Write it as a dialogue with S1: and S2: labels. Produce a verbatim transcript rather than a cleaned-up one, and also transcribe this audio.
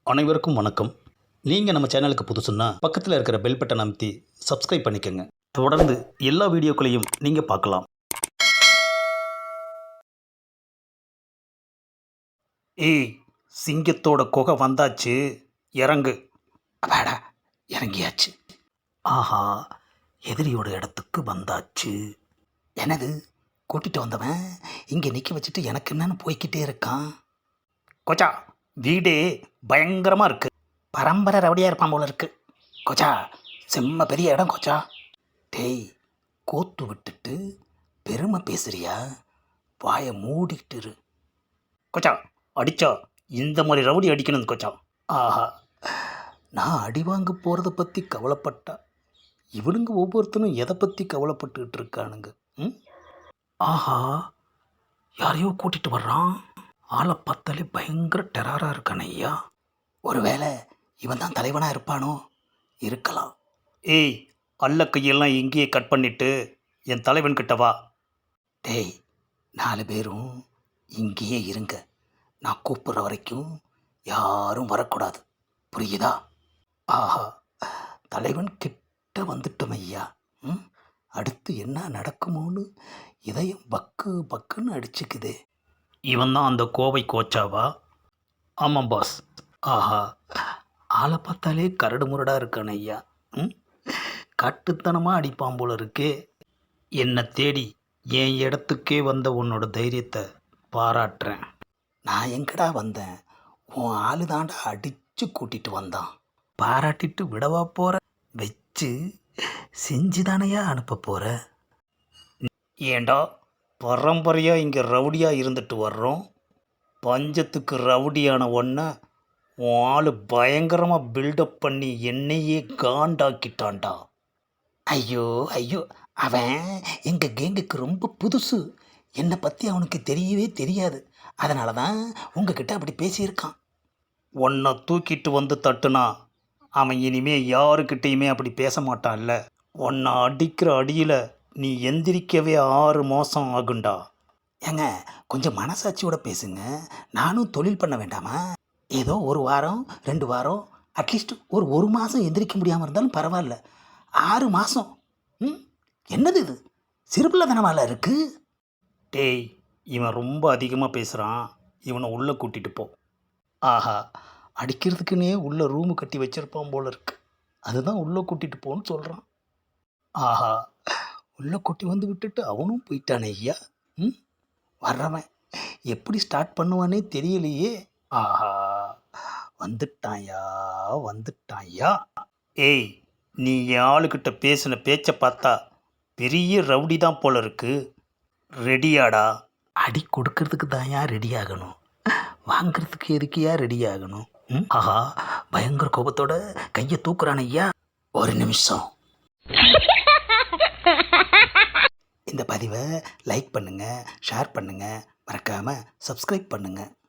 S1: அனைவருக்கும் வணக்கம். நீங்கள் நம்ம சேனலுக்கு புதுசுன்னா பக்கத்தில் இருக்கிற பெல் பட்டன் அமைத்தி சப்ஸ்கிரைப் பண்ணிக்கோங்க. தொடர்ந்து எல்லா வீடியோக்களையும் நீங்கள் பார்க்கலாம். ஏய், சிங்கத்தோட குகை வந்தாச்சு, இறங்கு. அப்பாடா, இறங்கியாச்சு. ஆஹா, எதிரியோட இடத்துக்கு வந்தாச்சு. எனது கூட்டிகிட்டு வந்தவன் இங்கே நிற்க வச்சுட்டு எனக்கு என்னன்னு போய்கிட்டே இருக்கான். கொச்சா, வீடே பயங்கரமாக இருக்கு. பரம்பரை ரவுடியாக இருப்பான் போல இருக்கு. கொச்சா, செம்ம பெரிய இடம் கொச்சா. டேய், கோத்து விட்டுட்டு பெருமை பேசுறியா? வாயை மூடிக்கிட்டு இரு. கொச்சா, அடிச்சா இந்த மாதிரி ரவுடி அடிக்கணும் கொச்சா. ஆஹா, நான் அடி வாங்க போகிறத பற்றி கவலைப்பட்டா இவனுங்க ஒவ்வொருத்தனும் எதை பற்றி கவலைப்பட்டுக்கிட்டு இருக்கானுங்க. ம் ஆஹா, யாரையோ கூட்டிகிட்டு வர்றான். ஆளை பார்த்தாலே பயங்கர டெரராக இருக்கானே ஐயா. ஒருவேளை இவன் தான் தலைவனாக இருப்பானோ? இருக்கலாம். ஏய், அல்ல கையெல்லாம் இங்கேயே கட் பண்ணிட்டு என் தலைவன் கிட்ட வா. டேய், நாலு பேரும் இங்கேயே இருங்க. நான் கூப்பிட்ற வரைக்கும் யாரும் வரக்கூடாது, புரியுதா? ஆஹா, தலைவன் கிட்ட வந்துட்டோம் ஐயா. ம் அடுத்து என்ன நடக்குமோன்னு இதயம் பக்கு பக்குன்னு அடிச்சுக்குதே. இவன் தான் அந்த கோவை கோச்சாவா? ஆமாம் பாஸ். ஆஹா, ஆளை பார்த்தாலே கரடு முரடாக இருக்கான ஐயா. ம் காட்டுத்தனமாக அடிப்பான் போல இருக்கே. என்னை தேடி என் இடத்துக்கே வந்த உன்னோட தைரியத்தை பாராட்டுறேன். நான் எங்கடா வந்தேன்? உன் ஆளு தாண்டா அடித்து கூட்டிகிட்டு வந்தான். பாராட்டிட்டு விடவா போகிற? வச்சு செஞ்சு தானையா அனுப்ப போகிற? ஏண்டா, பரம்பரையாக இங்கே ரவுடியாக இருந்துட்டு வர்றோம். பஞ்சத்துக்கு ரவுடியான ஒன்றை உன் ஆள் பயங்கரமாக பில்டப் பண்ணி என்னையே காண்டாக்கிட்டான்டா. ஐயோ ஐயோ, அவன் எங்கள் கேங்குக்கு ரொம்ப புதுசு. என்னை பற்றி அவனுக்கு தெரியவே தெரியாது. அதனால தான் உங்ககிட்ட அப்படி பேசியிருக்கான். உன்னை தூக்கிட்டு வந்து தட்டுனா அவன் இனிமே யாருக்கிட்டேயுமே அப்படி பேச மாட்டான்ல. உன்னை அடிக்கிற அடியில் நீ எந்திரிக்கவே ஆறு மாதம் ஆகுண்டா. ஏங்க, கொஞ்சம் மனசாட்சியோட பேசுங்க. நானும் தொழில் பண்ண வேண்டாமா? ஏதோ ஒரு வாரம் ரெண்டு வாரம் அட்லீஸ்ட் ஒரு ஒரு மாதம் எந்திரிக்க முடியாமல் இருந்தாலும் பரவாயில்ல. ஆறு மாதம் ம் என்னது இது? சிறுபிள்ளை தனமால இருக்கு. டேய், இவன் ரொம்ப அதிகமாக பேசுகிறான். இவனை உள்ளே கூட்டிகிட்டு போ. ஆஹா, அடிக்கிறதுக்குன்னே உள்ளே ரூமு கட்டி வச்சிருப்பான் போல இருக்கு. அதுதான் உள்ளே கூட்டிகிட்டு போன்னு சொல்கிறான். ஆஹா, உள்ளே கூட்டி வந்து விட்டுட்டு அவனும் போயிட்டானே ஐயா. ம் வர்றவன் எப்படி ஸ்டார்ட் பண்ணுவானே தெரியலையே. ஆஹா, வந்துட்டாயா வந்துட்டாயா. ஏய், நீ என் ஆளுக்கிட்ட பேசின பேச்சை பார்த்தா பெரிய ரவுடி தான் போல இருக்கு. ரெடியாடா? அடி கொடுக்கறதுக்கு தான் யா ரெடி ஆகணும், வாங்கிறதுக்கு எதுக்கியா ரெடி ஆகணும்? ம் ஆஹா, பயங்கர கோபத்தோட கையை தூக்குறான் ஐயா. ஒரு நிமிஷம். இந்த பதிவை லைக் பண்ணுங்கள், ஷேர் பண்ணுங்கள், மறக்காமல் சப்ஸ்கிரைப் பண்ணுங்கள்.